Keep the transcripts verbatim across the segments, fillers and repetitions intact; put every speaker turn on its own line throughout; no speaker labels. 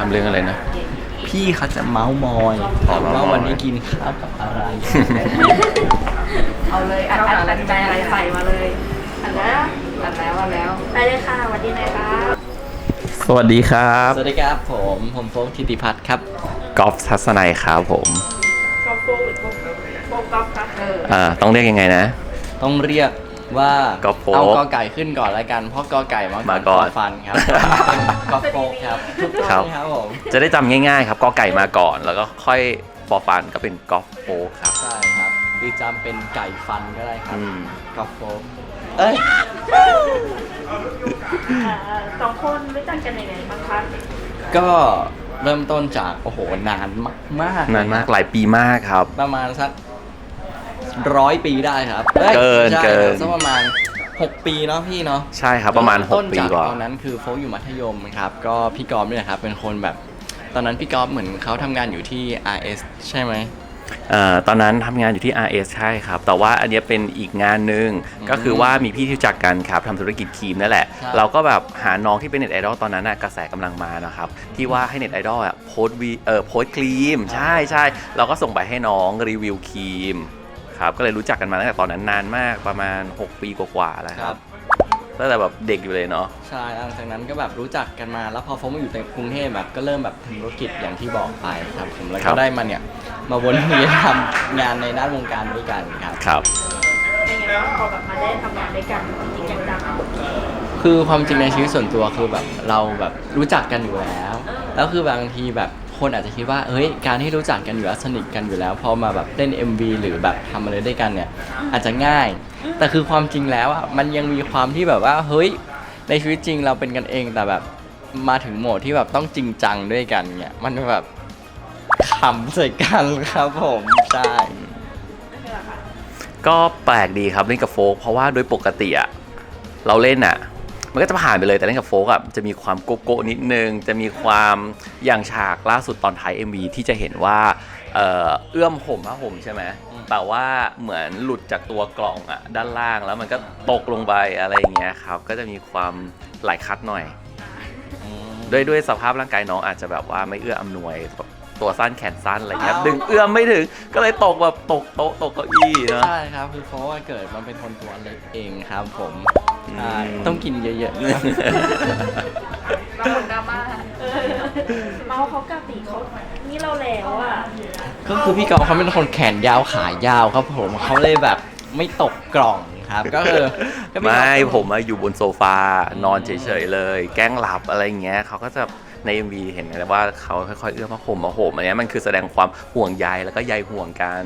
เรื่องอะไรนะ
พี่เขาจะเมาส์มอยว่าวันนี้กินข้าวกับอะไร
เอาเลยอัดอัดอัดใจอะไรใส่มาเลยอัดแล้วอัดแล้วอัดแล้วไปเลยค่ะสวัสดีนะครับ
สวัสดีครับ
สวัสดีครับผมผมโฟกธิติพัฒน์ครับ
กอล์ฟทัศนัยครับผม
กอล์ฟโฟหรือกอล์ฟโฟกอล์ฟคะเออ
อ่าต้องเรียกยังไงนะ
ต้องเรียกว่าก
อล์ฟโฟก
เอากอไก่ขึ้นก่อนแล้วกันเพราะกอไก่มา
มาก่อน
ฟันครับกอล์ฟโฟกครับทุกคนครับผม
จะได้จำง่ายๆครับกอไก่มาก่อนแล้วก็ค่อยฟอร์ฟันก็เป็นกอล์ฟโฟกครับ
ใช่ครับหรือจำเป็นไก่ฟันก็ได้ครับกอล์ฟโฟก
เอ้ยสองคนรู้จักกันยังไงบ้างคะ
ก็เริ่มต้นจากโอ้โหนานมาก
นานมากหลายปีมากครับ
ประมาณสักร้อยปีได้ครับ
เกินเกิน
สักประมาณหกปีเนาะพี่เนาะ
ใช่ครับประมาณหกปีกว่า
ตอนนั้นคือโฟกอยู่มัธยมครับก็พี่กอล์ฟเนี่ยครับเป็นคนแบบตอนนั้นพี่กอล์ฟเหมือนเขาทำงานอยู่ที่ อาร์ เอส ใช่ไหม
เอ่อตอนนั้นทำงานอยู่ที่ อาร์ เอส ใช่ครับแต่ว่าอันนี้เป็นอีกงานหนึ่งก็คือว่ามีพี่ที่รู้จักกันครับทำธุรกิจครีมนั่นแหละเราก็แบบหาน้องที่เป็นเน็ตไอดอลตอนนั้นน่ะกระแสกำลังมานะครับที่ว่าให้เน็ตไอดอลอ่ะโพสต์วีเอ่อโพสต์ครีมใช่ใช่เราก็ส่งไปให้น้องรีวิวครีมครับก็เลยรู้จักกันมาตั้งแต่ตอนนั้นนานมากประมาณหกปีกว่าๆแล้วครับตั้งแต่แบบเด็กอยู่เลยเนาะ
ใช่หลังจากนั้นก็แบบรู้จักกันมาแล้วพอโฟกมาอยู่ในกรุงเทพแบบก็เริ่มแบบทำธุรกิจอย่างที่บอกไปครับผมแล้วก็ได้มาเนี่ยมาวนเวียนทำงานในด้านวงการด้วยกันครับ
ครับ
เป็นไงบ้างพอแบบมาได้ทำงานด้วยกันจริงจังๆ
คือความจริงในชีวิตส่วนตัวคือแบบเราแบบรู้จักกันอยู่แล้วแล้วคือบางทีแบบคนอาจจะคิดว่าเฮ้ยการที่รู้จักกันอยู่แล้วสนิทกันอยู่แล้วพอมาแบบเล่น เอ็ม วี หรือแบบทำอะไรด้วยกันเนี่ยอาจจะง่ายแต่คือความจริงแล้วอ่ะมันยังมีความที่แบบว่าเฮ้ยในชีวิตจริงเราเป็นกันเองแต่แบบมาถึงโหมดที่แบบต้องจริงจังด้วยกันเนี่ยมันแบบขำใส่กันครับผมใช่
ก็แปลกดีครับเล่นกับโฟกเพราะว่าโดยปกติอะเราเล่นอะมันก็จะผ่านไปเลยแต่เล่นกับโฟกอะจะมีความโกโก้นิดนึงจะมีความอย่างฉากล่าสุดตอนท้าย เอ็ม วี ที่จะเห็นว่าเอ่อเอื้อมห่มผ้าห่มใช่ไหมแต่ว่าเหมือนหลุดจากตัวกล่องอะด้านล่างแล้วมันก็ตกลงไปอะไรอย่างเงี้ยครับก็จะมีความหลายคัดหน่อยด้วยด้วยสภาพร่างกายน้องอาจจะแบบว่าไม่เอื้ออำนวยตัวสั้นแขนสั้นอะไรเงี้ยดึงเอื้อมไม่ถึงก็เลยตกแบบตกโต๊ะตกเก้าอี้เนาะ
ใช่ครับคือเพราะว่าเกิดมันเป็นคนตัวเล็กเองครับผมใช่ต้องกินเยอะๆ
บางคนดราม่าเมาเขากะติเขานี่เราแล้วอ่ะ
ก็คือพี่กอล์ฟเขาเป็นคนแขนยาวขายาวครับผมเขาเลยแบบไม่ตกกล่องครับก็คือ
ไม่ผมอยู่บนโซฟานอนเฉยๆเลยแกล้งหลับอะไรเงี้ยเขาก็จะใน เอ็ม วี เห็นเลยว่าเขาค่อยๆเอื้อมผ้าห่มมาห่มอันนี้มันคือแสดงความห่วงใยแล้วก็ใยห่วงกัน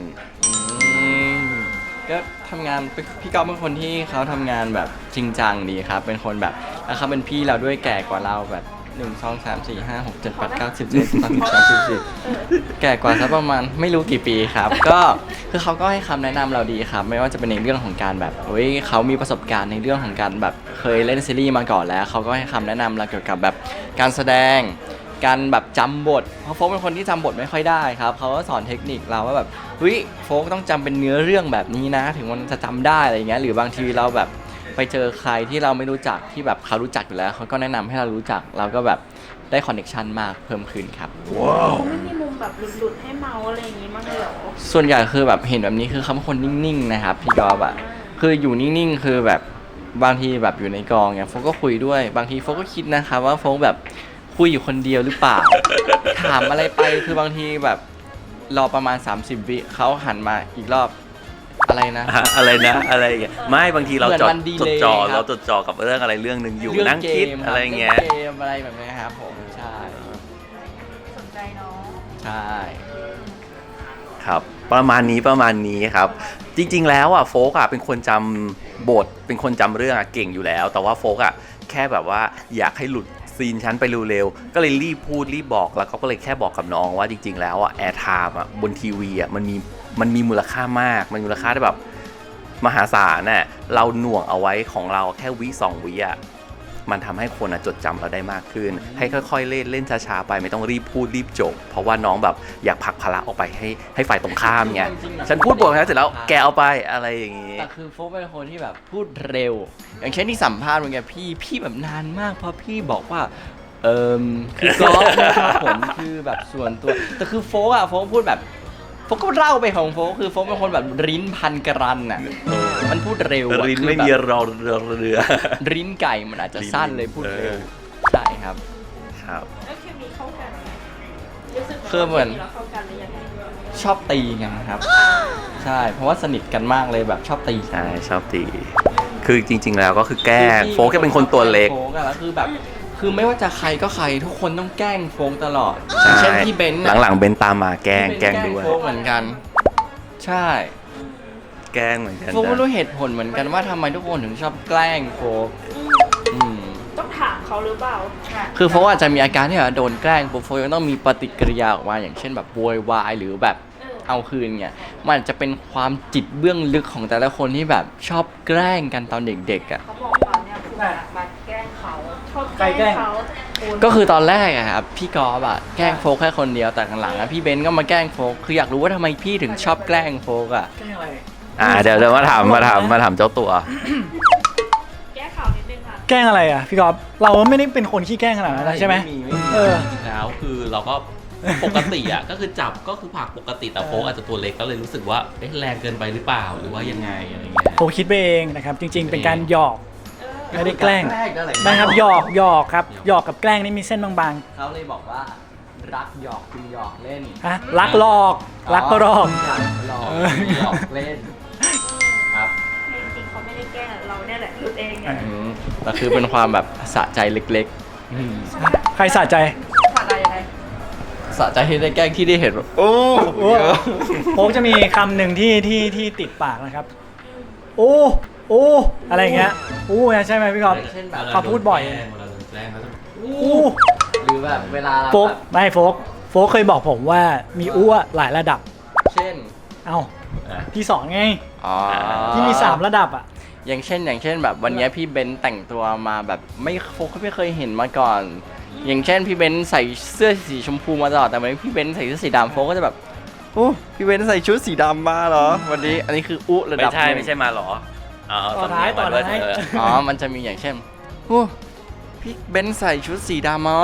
ก็ทำงานพี่ก๊อฟเป็นคนที่เขาทำงานแบบจริงจังดีครับเป็นคนแบบแล้วเขาเป็นพี่เราด้วยแก่กว่าเราแบบหนึ่งสองสามสี่ห้าหกเจ็ดแปดเก้าสิบสิบเอ็ดสิบสองสิบสามสิบสี่แก่กว่าสักประมาณไม่รู้กี่ปีครับก็คือเขาก็ให้คำแนะนำเราดีครับไม่ว่าจะเป็นในเรื่องของการแบบเฮ้ยเขามีประสบการณ์ในเรื่องของการแบบเคยเล่นซีรีส์มาก่อนแล้วเขาก็ให้คำแนะนำเราเกี่ยวกับแบบการแสดงการแบบจำบทเพราะโฟกเป็นคนที่จำบทไม่ค่อยได้ครับเขาก็สอนเทคนิคเราว่าแบบเฮ้ยโฟกต้องจำเป็นเนื้อเรื่องแบบนี้นะถึงมันจะจำได้อะไรเงี้ยหรือบางทีเราแบบไปเจอใครที่เราไม่รู้จักที่แบบเขารู้จักอยู่แล้วเขาก็แนะนำให้เรารู้จักเราก็แบบได้คอนเนคชันมากเพิ่มขึ้นครับ
ว้าวไม่มีมุมแบบหลุดๆให้เมาอะไรอย่างงี้มั้งเลยเหรอ
ส่วนใหญ่คือแบบเห็นแบบนี้คือเขาเป็นคนนิ่งๆนะครับพี่กอล์ฟอะคืออยู่นิ่งๆคือแบบบางทีแบบอยู่ในกองเนี่ยโฟกก็คุยด้วยบางทีโฟกก็คิดนะครับว่าโฟกแบบคุยอยู่คนเดียวหรือเปล่าถามอะไรไปคือบางทีแบบรอประมาณสามสิบวิเขาหันมาอีกรอบอะไรนะ
อะไรนะอะไรอย่างเงี้ยไม่บางทีเราจดจดจ่อเราจดจ่อกับเรื่องอะไรเรื่องนึงอยู่นั่งคิดอะไรเงี้ย
เกมอะไรแบบนี้ครับผมใช่
สนใจเนาะ
ใช่
ครับประมาณนี้ประมาณนี้ครับจริงๆแล้วอ่ะโฟกอ่ะเป็นคนจำบทเป็นคนจำเรื่องอ่ะเก่งอยู่แล้วแต่ว่าโฟกอ่ะแค่แบบว่าอยากให้หลุดซีนชั้นไปเร็วๆก็เลยรีบพูดรีบบอกแล้วก็เลยแค่บอกกับน้องว่าจริงๆแล้วอ่ะแอร์ไทม์อ่ะบนทีวีอ่ะมันมีมันมีมูลค่ามากมันมูลค่าได้แบบมหาศาลน่ะเราหน่วงเอาไว้ของเราแค่วิสองวิอ่ะมันทำให้คนจดจำเราได้มากขึ้นให้ค่อยๆเล่นเล่นช้าๆไปไม่ต้องรีบพูดรีบจบเพราะว่าน้องแบบอยากผลักภาระออกไปให้ให้ฝ่ายตรงข้ามไงฉันพูดบทแล้วเสร็จแล้วแกเอาไปอะไรอย่างงี้
แต่คือโฟกเป็นคนที่แบบพูดเร็วอย่างเช่นที่สัมภาษณ์เหมือนกันพี่พี่แบบนานมากเพราะพี่บอกว่าเอิมคือกอล์ฟนะครับผมคือแบบส่วนตัวแต่คือโฟกอะโฟกพูดแบบโฟกก็เล่าไปของโฟกคือโฟกเป็นคนแบบริ้นพันกรันอะมันพูดเร็วอะ
ริน
คือ
ไม่
แบบ
มีรอเรือเรือ
ริ้นไก่มันอาจจะสั้นเลยพูดเร็วใช่ครับ
ครับ
แล้วเคมีเข้ากันไหมรู้สึก
คือเหมือน
เราเข้ากันหรือยังไง
ชอบตีกันครับ ใช่เพราะว่าสนิทกันมากเลยแบบชอบตีกัน
ใช่ชอบตีคือจริง ๆ แล้วก็คือแกล้งโฟกแค่เป็นคนตัวเล็ก
โฟกอะแล้วคือแบบคือไม่ว่าจะใครก็ใครทุกคนต้องแกล้งโฟกตลอด
ใช่
เช่นพี่เบนซ์
หลังๆเบนตามมาแกล้งแกล้งด้วย
โฟกเหมือนกัน ใช่
แกล้งเหมือนกัน
โฟกไม่
นะ
รู้เหตุผลเหมือนกันว่าทำไมทุกคนถึงชอบแกล้งโฟกอืม
ต้องถามเขาหรือเปล่า
คือโฟกอาจจะมีอาการที่แบบโดนแกล้งปุ๊บโฟกยังต้องมีปฏิกิริยาออกมาอย่างเช่นแบบโวยวายหรือแบบเอาคืนเนี่ยมันจะเป็นความจิตเบื้องลึกของแต่ละคนที่แบบชอบแกล้งกันตอนเด็กๆอ่ะ
เขาบอกว่าเนี่ยคุณมาแกล้งเขาชอบแกล้งเขาคุณ
ก็คือตอนแรกอะครับพี่กอล์ฟอะแกล้งโฟกแค่คนเดียวแต่หลังๆอะพี่เบนซ์ก็มาแกล้งโฟกคืออยากรู้ว่าทำไมพี่ถึงชอบแกล้งโฟกอะ
แกล้งอะไร
อ่าเดี๋ยวเดี๋ยวมาถามมาถามมาถามเจ้าตัว
แก้ข่าวนิดนึงค่ะ
แกล้งอะไรอ่ะพี่กอล์ฟเราไม่ได้เป็นคนขี้แกล้งขนาดนั้นนะใช่ไหม
ไม่มีไม่มี
เออ
จริงๆแล้วคือเราก็ ปกติอ่ะ ก็คือจับก็คือผลักปกติแต่โฟกอาจจะตัวเล็กก็เลยรู้สึกว่าเอ๊ะแรงเกินไปหรือเปล่าหรือว่ายังไงอะไรเงี้ย
ผมคิดไปเองนะครับ จริง ๆ เป็นการหยอกไม่ได้แกล้ง
แกล้งนั่นแหละ
นะครับหยอกหยอกครับหยอกกับแกล้งนี่มีเส้นบาง
เขาเลยบอกว่ารักหยอกคือหยอกเล่น
ๆฮะรักหลอกรักก็หลอก
รักหลอก
เออ
หยอกเล่นครับ
จริงๆเขาไม่ได้แกล้งเราเนี่ยแหละหลุดเองไง
อืมแต่คือเป็นความแบบสะใจเล็กๆอืม
ใครสะใจ
ผ่านอะไรยังไง
สะใจที่ได้แกล้งที่ได้เห็นแบบโอ้
โอ้โป๊กจะมีคำหนึ่งที่ที่ที่ติดปากนะครับ โอ้โอ้อะไรอย่างเงี้ยโอ้ใช่ไหมพี่กอล์ฟ
เช่นแบบ
เขาพูดบ่อย
เวลาโดนแกล้งเขาจะ
อู้
หรือแบบเวลาเรา
โฟก
แบบ
ไม่โฟกโฟกเคยบอกผมว่ามีอ้วหลายระดับ
เช่น
เอ้าพี่สอนไง
อ๋อ
ที่มีสามระดับอ่ะ
อย่างเช่น อย่างเช่นแบบวันเนี้ยพี่เบนซ์แต่งตัวมาแบบไม่โฟกไม่เคยเห็นมาก่อน อย่างเช่นพี่เบนซ์ใส่เสื้อสีชมพูมาตลอดแต่วันนี้พี่เบนซ์ใส่เสื้อสีดำโฟกก็จะแบบโอ้พี่เบนซ์ใส่ชุดสีดำมาเหรอวันนี้อันนี้คืออุระ
ไม่
ดับ
ใช่
หนึ่ง
ไม่ใช่มาหรออ๋อ
ต่อท้าย
สำเนีงมด้ว
ต่อท้าย
เออ
อ๋อมันจะมีอย่างเช่นโอ้พี่เบนซ์ใส่ชุดสีดำมา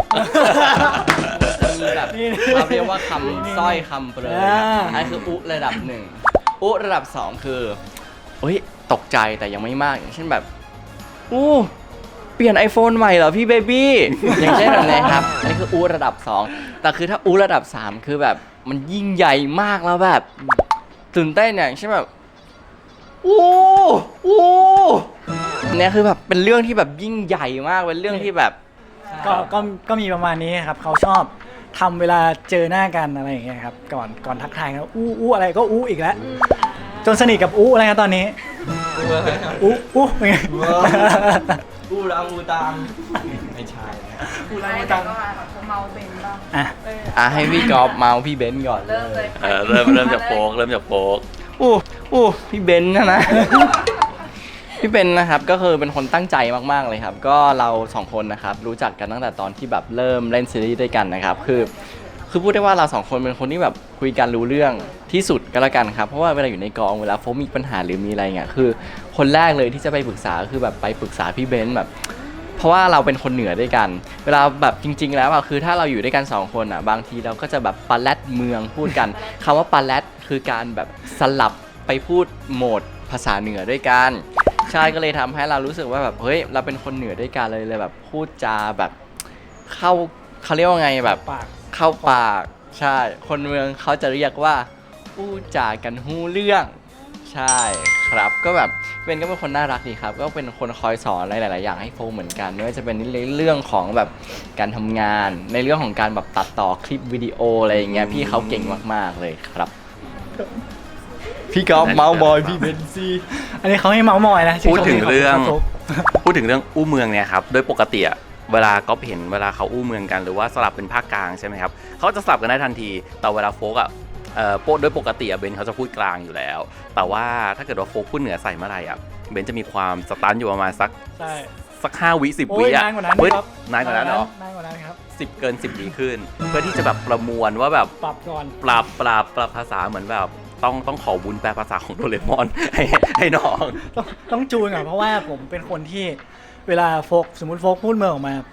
จะมีแบบ
นี่
เราเรียกว่าคำสร้อยคำเปรย
อ่า
อันนคืออุระดับหนึ่งอุระดับสองคือเฮ้ยตกใจแต่ยังไม่มากอย่างเช่นแบบอู้เปลี่ยน iPhone ใหม่เหรอพี่เบบี้ อย่างเช่นแบบนี้ครับอันนี้คืออุระดับสองแต่คือถ้าอุระดับสามคือแบบมันยิ่งใหญ่มากแล้วแบบตื่นเต้นอย่างเช่นแบบโอ้โอ้เนี่ยคือแบบเป็นเรื่องที่แบบยิ่งใหญ่มากเป็นเรื่องที่แบบ
ก็ก็ก็มีประมาณนี้ครับเขาชอบทำเวลาเจอหน้ากันอะไรอย่างเงี้ยครับก่อนก่อนทักทายกันอู้อู้อะไรก็อู้อีกแล้ว จนสนิทกับอู้อะไรนะตอนนี้อู้อู้เป็นไง
อูรังอูตังไม่ใช่
อู้อะไรตัง
เมาเบนบ้าง
อ่ะ
อ่ะให้พี่กอล์ฟเมาพี่เบนซ์ก่อน
เริ่มเลย
เออเริ่มเริ่มจากโฟกเริ่มจากโฟก
อู้อู้พี่เบนซ์นะนะ พี่เบนซ์นะครับก็คือเป็นคนตั้งใจมากๆเลยครับ ก็เราสองคนนะครับรู้จักกันตั้งแต่ตอนที่แบบเริ่มเล่นซีรีส์ด้วยกันนะครับคือคือพูดได้ว่าเราสองคนเป็นคนที่แบบคุยกันรู้เรื่องที่สุดก็แล้วกันครับเพราะว่าเวลาอยู่ในกองเวลาโฟมมีปัญหาหรือมีอะไรเงี้ยคือคนแรกเลยที่จะไปปรึกษาคือแบบไปปรึกษาพี่เบนซ์แบบ เพราะว่าเราเป็นคนเหนือด้วยกัน เวลาแบบจริง ๆ แล้วอะคือถ้าเราอยู่ด้วยกันสองคนอะบางทีเราก็จะแบบปาแรดเมืองพูดกัน คำว่าปาแรดคือการแบบสลับไปพูดโหมดภาษาเหนือด้วยกันใช่ก็เลยทำให้เรารู้สึกว่าแบบเฮ้ยเราเป็นคนเหนือด้วยกันเลยเลยแบบพูดจาแบบเข้าเขาเรียกว่าไงแบบ
ปาก
เข้าปากใช่คนเมืองเขาจะเรียกว่าพูดจากันฮู้เรื่องใช่ครับก็แบบเบนก็เป็นคนน่ารักดีครับก็เป็นคนคอยสอนอะไรหลาย ๆ อย่างให้โฟเหมือนกันไม่ว่าจะเป็นในเรื่องของแบบการทำงานในเรื่องของการแบบตัดต่อคลิปวิดีโออะไรอย่างเงี้ยพี่เขาเก่งมาก ๆ เลยครับพี่กอล์ฟเมาส์บอยพี่เบนซี
อันนี้เขาให้เมาส์มอยนะ
พูดถึงเรื่อง
ชื่ชม
พูดถึงเรื่องอู้เมืองเนี่ยครับโดยปกติอะเวลาก็เห็นเวลาเขาอู้เมืองกันหรือว่าสลับเป็นภาคกลางใช่ไหมครับเขาจะสลับกันได้ทันทีแต่เวลาโฟกอะเอ่อโดยปกติอะเบนเขาจะพูดกลางอยู่แล้ว แต่ว่าถ้าเกิดว่าโฟกพูดเหนือใส่เมื่อไหร่อะเบนจะมีความสตันอยู่ประมาณสัก
ใช่
สักห้าวิสิบ
โอ้
วิ
ย
อะ
นานกว่านั้น
เฮ้ย
ครับ
นานกว่านั้นเหรอ
นานกว่านั้นครับ
สิบเกินสิบวิขึ้น เพื่อที่จะแบบประมวลว่าแบบ
ปรับก่อน
ปรับปรับปรับภาษาเหมือนแบบต้องต้องขอบุญแปลภาษาของโดเรมอน ให้ให้น้อง
ต้องต้องจูนก่อนเพราะว่าผมเป็นคนที่เวลาโฟกสมมติโฟกพูดเมืองออกมา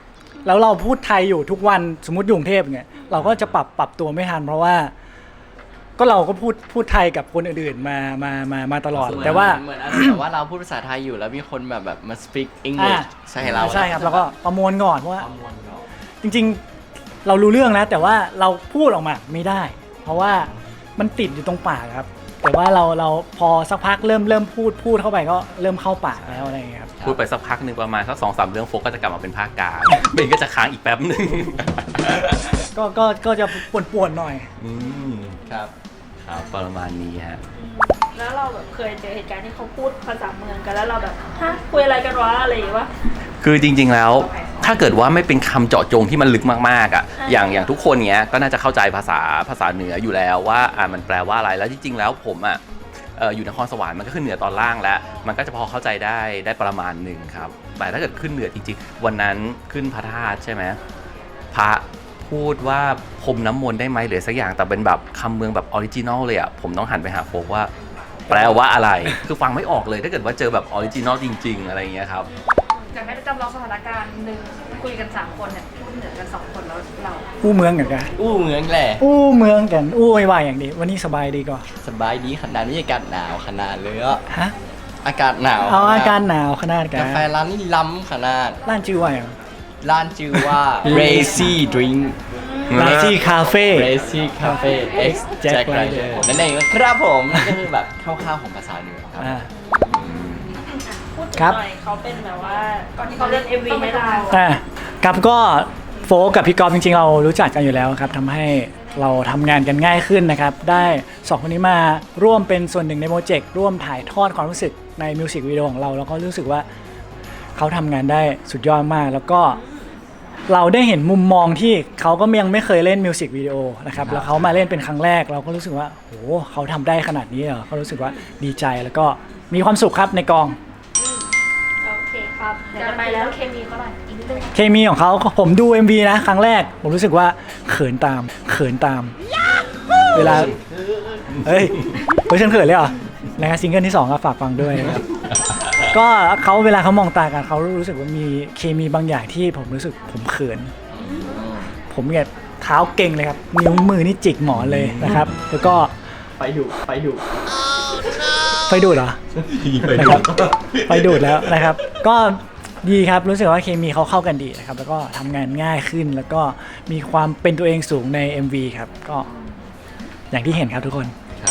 แล้วเราพูดไทยอยู่ทุกวันสมมติอยู่กรุงเทพเนี่ยเราก็จะปรับปรับตัวไม่ทันเพราะว่า ก็เราก็พูดพูดไทยกับคนอื่นๆมามามามาตลอด แต่ว่า
เหมือนอะไรแบบว่าเราพูดภาษาไทยอยู่แล้วมีคนแบบแบบมา speak English ใส่เรา
ใช่ครับแล้วก็ประมวลก่อนเพราะว่า
ประมวลเรา
จริงๆเรารู้เรื่องแล้วแต่ว่าเราพูดออกมาไม่ได้ เพราะว่ามันติดอยู่ตรงปากครับ แต่ว่าเราเราพอสักพักเริ่มเริ่มพูดพูดเข้าไปก็เริ่มเข้าปากแล้วอะไรอย่างเงี้ยครับ
พูดไปสักพักหนึ่งประมาณสักสองสามเรื่องโฟกก็จะกลับมาเป็นภาคกลางเบนก็จะค้างอีกแป๊บหนึ่ง
ก็ก็ก็จะป่วนๆหน่อย
อืม
ครับ
ครับประมาณนี้ฮะ
แล้วเราแบบเคยเจอเหตุการณ์ที่เขาพูดภาษาเมืองกันแล้วเราแบบฮะคุยอะไรกันวะอะไรอย่างเงี้ยวะ
คือจริงๆแล้วถ้าเกิดว่าไม่เป็นคำเจาะจงที่มันลึกมากๆอ่ะ
อ่า
อย่างอย่างทุกคนเนี้ยก็น่าจะเข้าใจภาษาภาษาเหนืออยู่แล้วว่าอ่ามันแปลว่าอะไรแล้วจริงๆแล้วผมอ่ะเอ่ออยู่นครสวรรค์มันก็ขึ้นเหนือตอนล่างแล้ว มันก็จะพอเข้าใจได้ได้ประมาณหนึ่งครับแต่ถ้าเกิดขึ้นเหนือจริงๆวันนั้นขึ้นพระธาตุใช่ไหมพระพูดว่าพรมน้ำมนต์ได้ไหมหรือสักอย่างแต่เป็นแบบคำเมืองแบบออริจินอลเลยอ่ะผมต้องหันไปหาโฟกว่า แปลว่าอะไรคือฟังไม่ออกเลยถ้าเกิดว่าเจอแบบออริจินอลจริง ๆ อะไรอย่างเงี้ยครับ
อยากให้จำลองสถานการณ์หนึ่งคุยกันสามคนเนี่ยพูดเหนือกันสองคนแล้วเรา
อู้เมืองกันกัน
อู้เหมือนแหละ
อู้เมืองกันอู้ไม่ว่าอย่างดีวันนี้สบายดีก่อน
สบายดีขนาดนี้อากาศหนาวขนาดเลยอ่ะ
ฮะ
อากาศหนาว
เอาอาการหนาวขนาดกัน
กาแฟร้านนี้ล้ำขนาด
ร้านชื่อว่าอย่าง
ร้านชื่อว่า Racy Drink
ร้านที่คาเฟ่
Racy Cafe X Jack Rider นั่นเองนะครับผมนั่นก็คือแบบคร่าวๆของภาษาเหนือครับ
อ่า
พูดถึง
ครับ
หน่อยเขาเป็นแบบว่าก่อนที่เขาเล่น เอ็ม วี ให้เรา
อ่ะครับก็โฟกกับพี่กอล์ฟจริงๆเรารู้จักกันอยู่แล้วครับทำให้เราทำงานกันง่ายขึ้นนะครับ ได้สองคนนี้มาร่วมเป็นส่วนหนึ่งในโปรเจกต์ร่วมถ่ายทอดความรู้สึกในมิวสิกวิดีโอของเราแล้วก็รู้สึกว่าเขาทำงานได้สุดยอดมาก แล้วก็เราได้เห็นมุมมองที่เขาก็ยังไม่เคยเล่นมิวสิกวิดีโอนะครับแล้วเขามาเล่นเป็นครั้งแรกเราก็รู้สึกว่าโหเขาทำได้ขนาดนี้เหรอเขารู้สึกว่าดีใจแล้วก็มีความสุขครับในกอง
โอเคครับเดี๋ยวจะไปแล้วเคมีเขาหน่อยอีกนิดนึง
เคมีของเขาผมดู เอ็ม วี นะครั้งแรกผมรู้สึกว่าเขินตามเขินตาม เวลาเฮ้ยเฮ้ยฉันเขินเลยเหรอนะครับซิงเกิลที่สองก็ฝากฟังด้วยนะครับก็เขาเวลาเขามองตากันเขารู้สึกว่ามีเคมีบางอย่างที่ผมรู้สึกผมเขิน ผมเนี่ยเท้าเก่งเลยครับนิ้วมือนี่จิกหมอนเลยนะครับ แล้วก็
ไปดุไปดุ
ไฟดูดเหรอนะครับไฟดูดแล้วนะครับ ก็ดีครับรู้สึกว่าเคมีเขาเข้ากันดีนะครับ แล้วก็ทำงานง่ายขึ้นแล้วก็มีความเป็นตัวเองสูงใน เอ็ม วี ครับก็อย่างที่เห็นครับทุกคน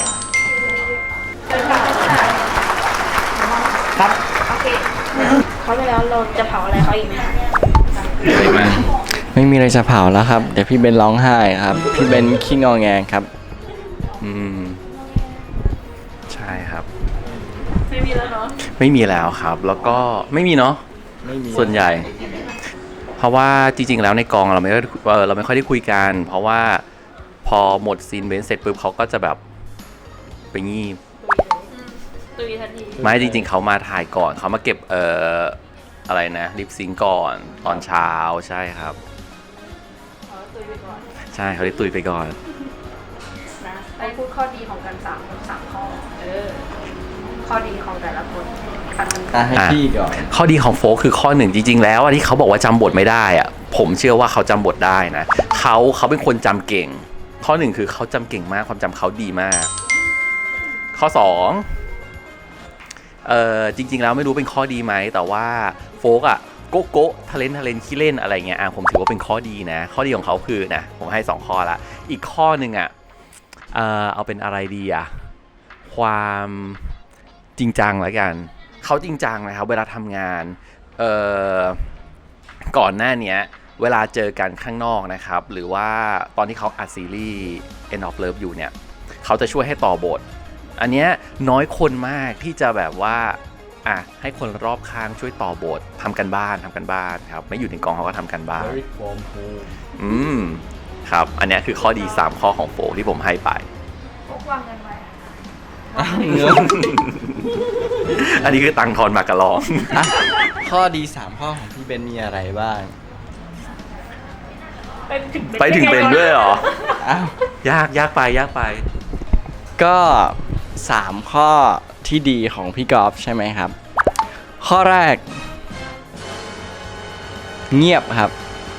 ครับ
โอเคเขาไปแล้วเราจะเผาอะไรเขาอีกไหม
ไม่มีอะไรจะเผาแล้วครับ เดี๋ยวพี่เบนร้องไห้ครับ พี่เบนขี้งอแงครับ
อืมใช่ครับ
ไม่มีแล้วเนาะ
ไม่มีแล้วครับ แล้วก็ไม่มีเนาะ
ไม่มี
ส่วนใหญ่ เพราะว่าจริงๆแล้วในกองเราไม่ได้เออเราไม่ค่อยได้คุยกัน เพราะว่าพอหมดซีนเบนเสร็จปุ๊บเขาก็จะแบบไปงีบ
ตุยทันที
ไม่จริงๆเขามาถ่ายก่อนเขามาเก็บเอ่ออะไรนะลิปซิงก์ก่อนตอนเช้าใช่ครับ
ขอตุยไปก่อน
ใช่เขาได้ตุยไปก่อน
นะไปพูดข้อดีของกันสามสามข้อเออข้อดีของแต่ละคนกันมัน
อ่ะให้พี่ก่อน
ข้อดีของโฟกคือข้อหนึ่งจริงๆแล้วอะที่เขาบอกว่าจำบทไม่ได้อะผมเชื่อว่าเขาจำบทได้นะเขาเขาเป็นคนจำเก่ง ข้อหนึ่งคือเขาจำเก่งมากความจำเขาดีมาก ข้อสองเออจริงๆแล้วไม่รู้เป็นข้อดีไหมแต่ว่าโฟกอะโกโก้ทะเลนทะเลนขี้เล่นอะไรเงี้ยอ่ะผมถือว่าเป็นข้อดีนะ ข้อดีของเขาคือนะผมให้สองข้อละอีกข้อหนึ่งอะเออเอาเป็นอะไรดีอะความจริงจังแล้วกันเขาจริงจังนะครับเวลาทำงานเอ่อก่อนหน้านี้เวลาเจอกันข้างนอกนะครับหรือว่าตอนที่เขาอัดซีรีส์ End of Love อยู่เนี่ยเขาจะช่วยให้ต่อบทอันเนี้ยน้อยคนมากที่จะแบบว่าอ่ะให้คนรอบข้างช่วยต่อบททำกันบ้านทำกันบ้านครับไม่อยู่ในกองเขาก็ทำกันบ้านอืมครับอันเนี้ยคือข้อดีสามข้อของโฟที่ผมให้ไป
พวกวางกันไว้
เงิน
อันนี้คือตังค์ทอนมากระลอง
อ่ะข้อดีสามข้อของพี่เบนมีอะไรบ้าง
ไปถึง
ไปถึงเป็นด้วยเหรอ
อ้าว
ยากยากไปยากไป
ก็สามข้อที่ดีของพี่กอล์ฟใช่ไหมครับ ข้อแรก เงียบครับ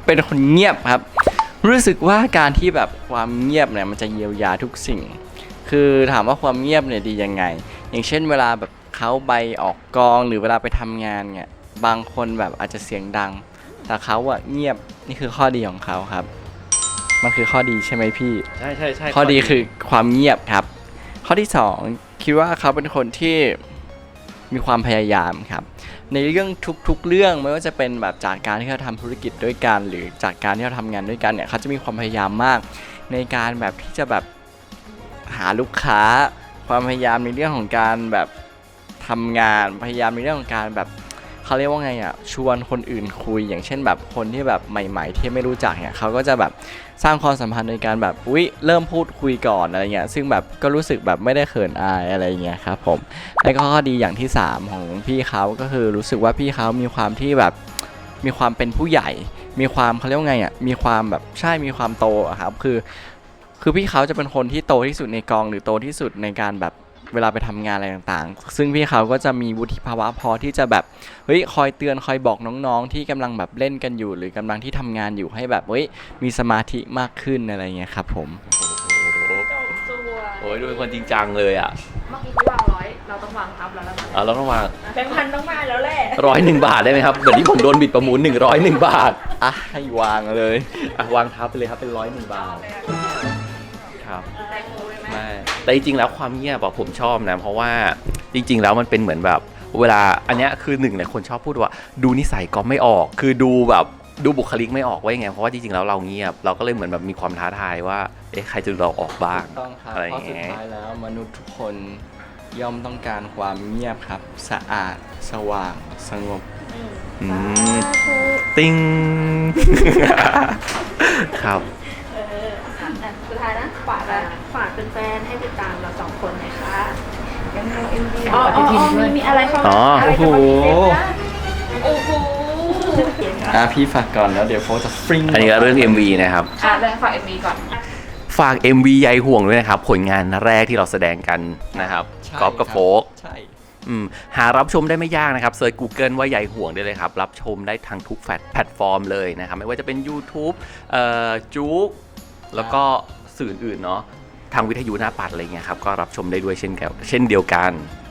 เป็นคนเงียบครับรู้สึกว่าการที่แบบความเงียบเนี่ยมันจะเยียวยาทุกสิ่งคือถามว่าความเงียบเนี่ยดียังไงอย่างเช่นเวลาแบบเขาไปออกกองหรือเวลาไปทำงานเนี่ยบางคนแบบอาจจะเสียงดังแต่เขาอะเงียบนี่คือข้อดีของเขาครับมันคือข้อดีใช่ไหมพี่
ใช่ใช่ใช่
ข้อดีคือความเงียบครับข้อที่สองคิดว่าเขาเป็นคนที่มีความพยายามครับในเรื่องทุกๆเรื่องไม่ว่าจะเป็นแบบจากการที่เขาทำธุรกิจด้วยกันหรือจากการที่เขาทำงานด้วยกันเนี่ยเขาจะมีความพยายามมากในการแบบที่จะแบบหาลูกค้าความพยายามในเรื่องของการแบบทำงานพยายามในเรื่องของการแบบเขาเรียกว่าไงอ่ะชวนคนอื่นคุยอย่างเช่นแบบคนที่แบบใหม่ๆที่ไม่รู้จักเนี่ยเขาก็จะแบบสร้างความสัมพันธ์ในการแบบอุ๊ยเริ่มพูดคุยก่อนอะไรเงี้ยซึ่งแบบก็รู้สึกแบบไม่ได้เขินอายอะไรเงี้ยครับผมแล้วก็ข้อดีอย่างที่สามของพี่เขาก็คือรู้สึกว่าพี่เขามีความที่แบบมีความเป็นผู้ใหญ่มีความเขาเรียกว่าไงอ่ะมีความแบบใช่มีความโตอะครับคือคือพี่เขาจะเป็นคนที่โตที่สุดในกองหรือโตที่สุดในการแบบเวลาไปทำงานอะไรต่างๆซึ่งพี่เขาก็จะมีวุฒิภาวะพอที่จะแบบเฮ้ยคอยเตือนคอยบอกน้องๆที่กำลังแบบเล่นกันอยู่หรือกำลังที่ทำงานอยู่ให้แบบเฮ้ยมีสมาธิมากขึ้นอะไรเงี้ยครับผม
จบตัว
โอ้ยดูเป็นคนจริงจังเลยอ่ะ
เมื่อกี้เขาวางร้อยเราต้องวางทับแล้วแล้ว
อ่ะเราต้องวาง
แบงค์พันต้องมาแล้วแหละ
ร้อยหนึ่งบาทได้ไหมครับเหมือนที่ผมโดนบิดประมูลหนึ่งร้อยหนึ่งบาท
อ่ะให้วางเลย
อ่ะวางทับไปเลยครับเป็นร้อยหนึ่งบาทครับ
แตงโมเลยไหม
ไม่แต่จริงๆแล้วความเงียบอะผมชอบนะเพราะว่าจริงๆแล้วมันเป็นเหมือนแบบเวลาอันเนี้ยคือหนึ่งเลยคนชอบพูดว่าดูนิสัยก็ไม่ออกคือดูแบบดูบุคลิกไม่ออกว่ายังไงเพราะว่าจริงๆแล้วเราเงียบเราก็เลยเหมือนแบบมีความท้าทายว่าเอ๊ะใครจะดูเราออกบ้าง
ต้องครับ
อะไรอ
เพราะ
ย่าง
สุด
เงี้ย
ท้ายแล้วมนุษย์ทุกคนย่อมต้องการความเงียบครับสะอาดสว่างสงบ
อืมติ้ง ครับ
เอออ่ะอ่ะสุดท้ายนะฝากอะฝากเป็นแฟนให้ติดตามเราสองคนหน่อยค่ะยังมีเอ็มวีอ๋ออ๋ออ๋อมีมีอะไรเข้า
อ๋อ
อะไรจะมาพิเศษนะโอ้โห
อ่ะพี่ฝากก่อนแล้วเดี๋ยวโฟจะฟริ้ง
อันนี้ก็เรื่อง เอ็ม วี นะครับ
อ่ะเรื่องฝากเอ็มวีก่อน
ฝาก เอ็ม วี ใยห่วงด้วยนะครับผลงานแรกที่เราแสดงกันนะครับ
ใช่
กอล์ฟกับ
ครับ
โฟก
ใช่
อืมหารับชมได้ไม่ยากนะครับเซิร์ช Google ว่าใยห่วงได้เลยครับรับชมได้ทางทุกแพลตฟอร์มเลยนะครับไม่ว่าจะเป็น YouTube เอ่อจุ๊กแล้วก็สื่ออื่นเนาะทางวิทยุหน้าปัดอะไรเงี้ยครับก็รับชมได้ด้วยเช่นกันเช่นเดียวกัน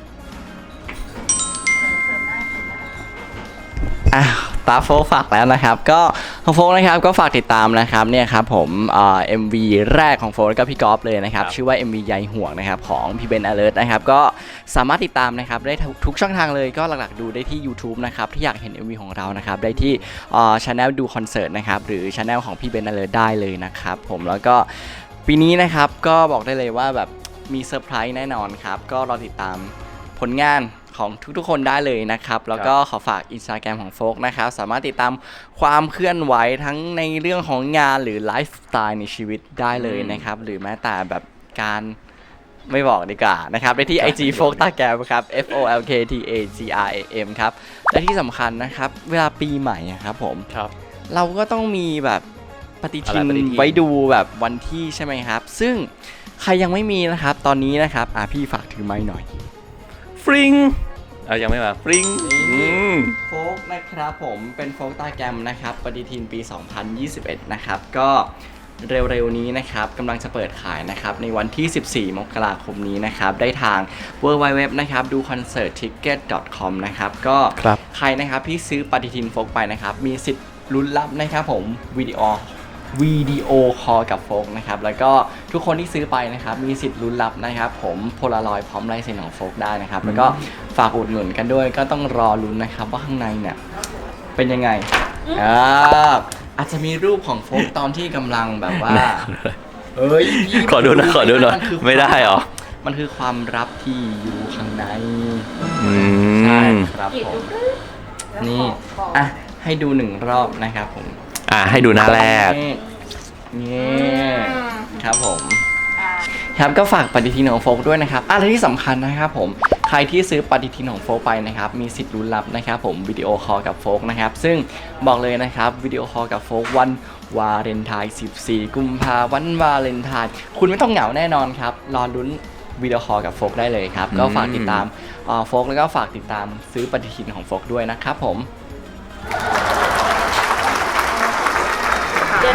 อ่ะตาโฟกฝากแล้วนะครับก็ของโฟกนะครับก็ฝากติดตามนะครับเนี่ยครับผมเอ่อ เอ็ม วี แรกของโฟกกับพี่กอล์ฟเลยนะครับ
ครับ
ชื่อว่า เอ็ม วี ใยห่วงนะครับของพี่เบนอเลิร์ตนะครับก็สามารถติดตามนะครับได้ทุกช่องทางเลยก็หลักๆดูได้ที่ YouTube นะครับที่อยากเห็น เอ็ม วี ของเรานะครับได้ที่เอ่อ channel ดูคอนเสิร์ตนะครับหรือ channel ของพี่เบนอเลิร์ตได้เลยนะครับผมแล้วก็ปีนี้นะครับก็บอกได้เลยว่าแบบมีเซอร์ไพรส์แน่นอนครับก็รอติดตามผลงานของทุกๆคนได้เลยนะครับแล้วก็ขอฝาก Instagram ของโฟกนะครับสามารถติดตามความเคลื่อนไหวทั้งในเรื่องของงานหรือไลฟ์สไตล์ในชีวิตได้เลยนะครับหรือแม้แต่แบบการไม่บอกดีกว่านะครับได้ที่ ไอ จี โฟกตาแกรมครับ F O L K T A G R A M ครับและที่สำคัญนะครับเวลาปีใหม่อะครับผม
ครับ
เราก็ต้องมีแบบปฏิทิน
อะไรปฏิทิน
ไว้ดูแบบวันที่ใช่ไหมครับซึ่งใครยังไม่มีนะครับตอนนี้นะครับอ่ะพี่ฝากถือไม้หน่อย
ฟริงเอ่ะยังไม่มาฟริง
นี่
อืม
โฟกนะครับผมเป็นโฟกตาแกรมนะครับปฏิทินปี สองพันยี่สิบเอ็ด นะครับก็เร็วๆนี้นะครับกำลังจะเปิดขายนะครับในวันที่ สิบสี่ มกราคมนี้นะครับได้ทาง ดับเบิลยู ดับเบิลยู ดับเบิลยู นะครับดูคอนเสิร์ตทิกเก็ต ดอท คอม นะครับก็
ครับ
ใครนะครับที่ซื้อปฏิทินโฟกไปนะครับมีสิทธิ์ลุ้นรับนะครับผมวิดีโอวิดีโอคอลกับโฟกนะครับแล้วก็ทุกคนที่ซื้อไปนะครับมีสิทธิ์ลุ้นรับนะครับผมโพลารอยด์พร้อมลายเซ็นของโฟกได้นะครับแล้วก็ฝากอุดหนุนกันด้วยก็ต้องรอลุ้นนะครับว่าข้างในเนี่ยเป็นยังไงอ่าอาจจะมีรูปของโฟกตอนที่กำลังแบบว่าเฮ้ยพี่
ขอดูหนะขอดูหน่อย
นคือ
ไม่ได้เหรอ
มันคือความลับที่อยู่ข้างใน
อื
ใช่
ม
ครับ
กรีด
ผ
ดู
ม
กรึ๊บแล้ว
นี่
ขอ
อ่ะให้ดูหนึ่งรอบนะครับผม
อ่ะให้ดูหน้าแรก
นี่ครับผม
อ่า
ครับก็ฝากปฏิทินของโฟกด้วยนะครับอ่ะและที่สำคัญนะครับผมใครที่ซื้อปฏิทินของโฟกไปนะครับมีสิทธิ์ลุ้นรับนะครับผมวิดีโอคอลกับโฟกนะครับซึ่งบอกเลยนะครับวิดีโอคอลกับโฟกวันวาเลนไทน์สิบสี่กุมภาพันธ์วันวาเลนไทน์คุณไม่ต้องเหงาแน่นอนครับรอลุ้นวิดีโอคอลกับโฟกได้เลยครับก็ฝากติดตามเอ่อโฟกแล้วก็ฝากติดตามซื้อปฏิทินของโฟกด้วยนะครับผม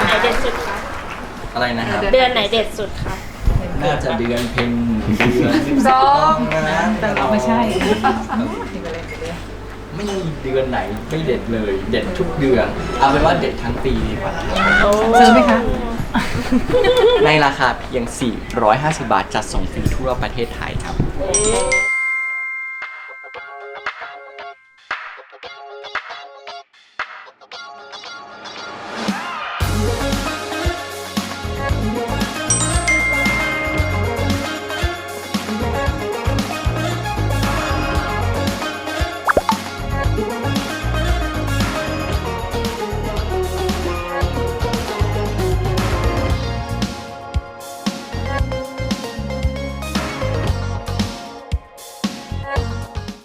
ไหนเด็ดสุดคะ
อะไรนะครับ
เดือนไหนเด็ดสุดคะ
น่าจะเดือนเพ็ญเดือนสิบสองนะแต่เราไม่ใช่ ไม่มีเดือนไหนไม่เด็ดเลย เด็ดทุกเดือน เอาเป็นว่าเด็ดทั้งปีดีกว่า
ซื้อไหมคะ
ในราคาเพียง สี่ร้อยห้าสิบบาท จัดส่งฟรีทั่วประเทศไทยครับ
โอ้